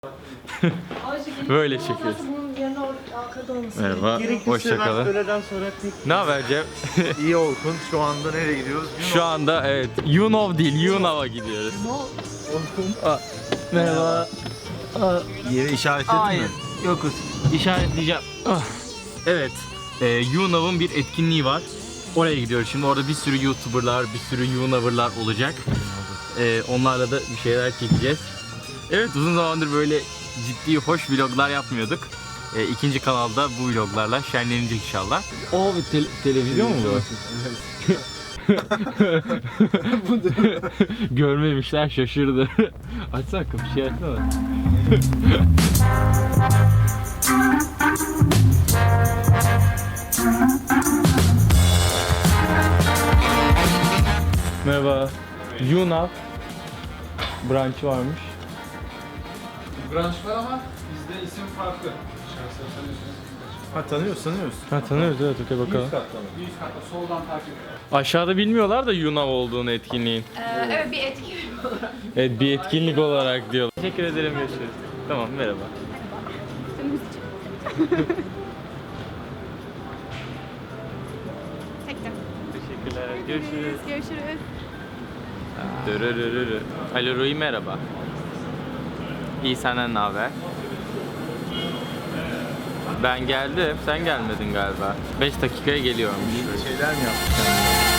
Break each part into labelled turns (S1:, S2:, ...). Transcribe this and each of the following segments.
S1: Böyle çekiyoruz. Merhaba, hoşçakalın.
S2: Öğleden sonra
S1: Ne haber Cem?
S2: İyi Orkun. Şu anda nereye gidiyoruz?
S1: Şu anda evet, Yunov değil, Yunav'a gidiyoruz.
S2: Orkun.
S1: Merhaba.
S2: Yeri işaretledin
S1: Hayır,
S2: mi?
S1: yokuz. İşaretleyeceğim. Evet, Yunav'ın bir etkinliği var. Oraya gidiyoruz. Şimdi orada bir sürü YouTuber'lar, bir sürü Yunaver'lar olacak. Onlarla da bir şeyler çekeceğiz. Evet, uzun zamandır böyle ciddi, hoş vloglar yapmıyorduk. İkinci kanalda bu vloglarla şenlenecek inşallah. O bir televizyon mu bu? Görmemişler, şaşırdı. Açsana kapı, şey açsana. Merhaba. Yunav branşı varmış.
S3: Branş var ama bizde isim farklı.
S2: Ha tanıyoruz.
S1: Ha tanıyoruz, evet, okey bakalım.
S3: Üst katta soldan takip et.
S1: Aşağıda bilmiyorlar da Yunav olduğunu etkinliğin.
S4: Evet, bir etkinlik olarak.
S1: Evet, bir etkinlik olarak diyorlar. Teşekkür ederim, görüşürüz. Tamam, merhaba.
S4: Çektim.
S1: Teşekkürler, görüşürüz.
S4: Görüşürüz.
S1: Dırırırırı. Alo Rui, merhaba. İyi, senden ne haber? Ben geldim, sen gelmedin galiba. 5 dakikaya geliyorum.
S2: Şeyler mi yaptık?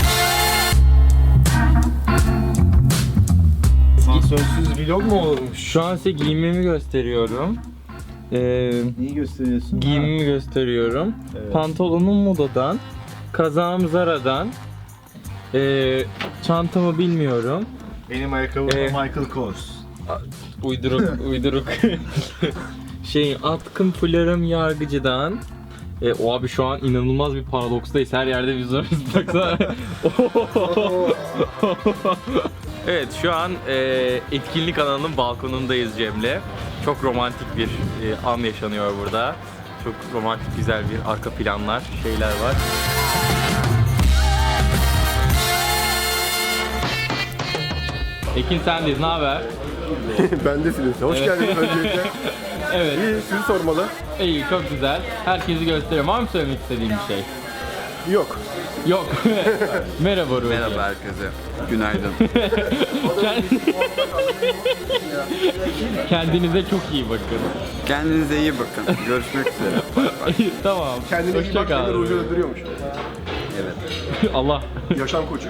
S2: Sansörsüz vlog mu olurmuş?
S1: Şu an size giyimimi gösteriyorum.
S2: Neyi gösteriyorsun?
S1: Giyimimi gösteriyorum.
S2: Evet.
S1: Pantolonum Moda'dan, kazağım Zara'dan, çantamı bilmiyorum.
S2: Benim ayakkabım Michael Kors.
S1: Uyduruk. Atkım fularım Yargıcı'dan. O abi şu an inanılmaz bir paradokstayız. Her yerde biz varız. Baksana. Evet, şu an etkinlik alanının balkonundayız Cem'le. Çok romantik bir an yaşanıyor burada. Çok romantik, güzel bir arka planlar, şeyler var. Ekin sendeyiz, ne haber?
S5: Bendesiniz. Hoş geldiniz öncelikle.
S1: Evet.
S5: İyi, sizi sormalı.
S1: İyi, çok güzel. Herkesi gösteriyorum. Var mı söylemek istediğim bir şey?
S5: Yok.
S1: Yok. Merhaba Ruhi.
S6: Merhaba herkese. Günaydın.
S1: Kendinize çok iyi bakın.
S6: Kendinize iyi bakın. Görüşmek üzere.
S1: Tamam.
S5: Kendine iyi
S1: Hoşça
S5: bak,
S1: kal.
S5: seni ruju öldürüyormuş.
S6: Evet.
S1: Allah.
S5: Yaşam koçu.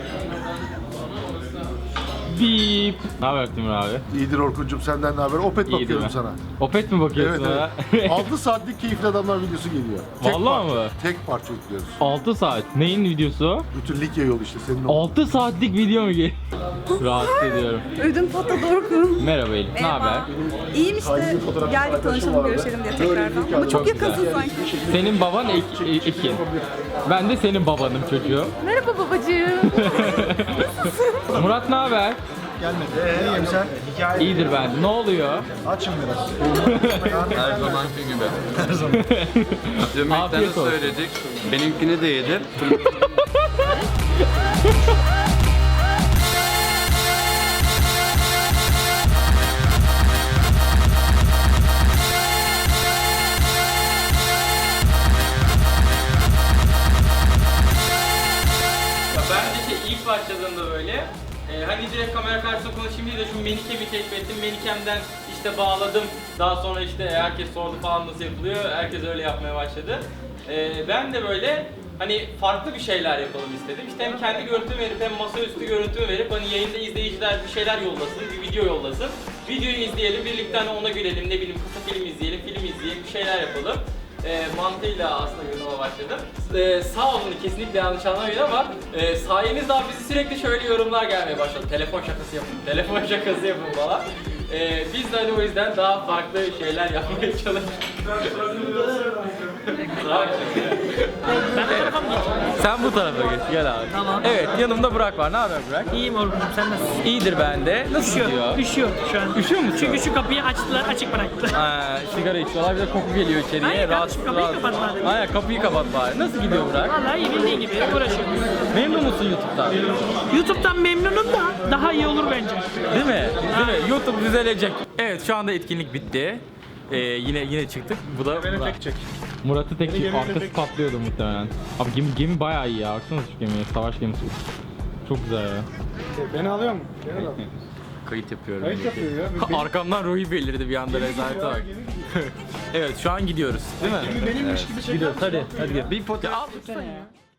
S1: Bip. Ne haber Timur abi?
S5: İyidir Orkun'cum, senden ne haber? Opet
S1: İyidir
S5: bakıyorum
S1: ben.
S5: sana.
S1: Opet mi bakıyorsun
S5: Evet,
S1: ha?
S5: evet. 6 saatlik keyifli adamlar videosu geliyor.
S1: Vallahi
S5: parça,
S1: mı?
S5: Tek parça yüklüyoruz.
S1: 6 saat. Neyin videosu?
S5: Bütün Likya yolu işte senin o.
S1: 6 saatlik video mu geliyor? Rahatsız ediyorum.
S4: Ödüm patladı Orkun.
S1: Merhaba Elif. Ne haber?
S4: İyiyim işte. Geldik tanışalım, görüşelim diye tekrardan. Ama çok yakınsın sanki.
S1: Senin baban Ekin. Ben de senin babanım çocuğum.
S4: Merhaba babacığım.
S1: Murat ne haber?
S2: Gelmedi. İyiyim sen. Hikaye.
S1: İyidir ben. Ne oluyor?
S2: Açım biraz.
S6: Her zamanki gibi. Yemeklerini
S1: Afiyet olsun.
S6: söyledik. Benimkini de yedi.
S1: Ben de ilk başladığımda böyle hani direkt kamera karşısında konuşayım diye de şu Menikem'i keşfettim. Menikem'den işte bağladım. Daha sonra işte herkes sordu falan nasıl yapılıyor. Herkes öyle yapmaya başladı. Ben de böyle hani farklı bir şeyler yapalım istedim. İşte hem kendi görüntümü verip hem masaüstü görüntümü verip hani yayında izleyiciler bir şeyler yollasın, bir video yollasın. Videoyu izleyelim, birlikte hani ona gülelim, ne bileyim kısa film izleyelim, film izleyelim, bir şeyler yapalım. Mantığıyla aslında yoruma başladım. Sağ olun, kesinlikle yanlış anlamayın ama sayenizde abi bizi sürekli şöyle yorumlar gelmeye başladı. Telefon şakası yapın, telefon şakası yapın falan. Biz de hani o yüzden daha farklı şeyler yapmaya çalışıyoruz. Sen bu tarafa geç, gel abi.
S7: Tamam.
S1: Evet, yanımda Burak var. Ne haber Burak?
S7: İyiyim Orkun'cum, sen nasılsın?
S1: İyidir ben de. Nasıl gidiyor?
S7: Üşüyor şu an.
S1: Üşüyor musun?
S7: Çünkü şu kapıyı açtılar, açık bıraktılar.
S1: Sigara içiyorlar, bir de koku geliyor içeriye.
S7: Hayır kardeşim, kapıyı kapat bari.
S1: Aynen, kapıyı kapat bari. Nasıl gidiyor Burak?
S7: Vallahi iyi bildiğin gibi uğraşıyorum.
S1: Memnun musun YouTube'dan?
S7: YouTube'dan memnunum da daha iyi olur bence.
S1: Değil mi? Değil mi? YouTube bize düzelecek. Evet şu anda etkinlik bitti. Yine çıktık. Bu da
S8: Murat'ı tek çek, arkası patlıyordu muhtemelen. Abi gemi bayağı iyi ya. Baksana şu gemiye, savaş gemisi. Çok güzel ya.
S2: Beni alıyor mu? Beni al.
S1: kayıt yapıyorum.
S2: Kayıt yapıyor ya.
S1: Arkamdan Ruhi belirdi bir anda rezalete bak. Evet şu an gidiyoruz değil mi?
S2: Benimmiş gibi çeker.
S1: Gidiyoruz hadi gidelim. Bir fotoğraf.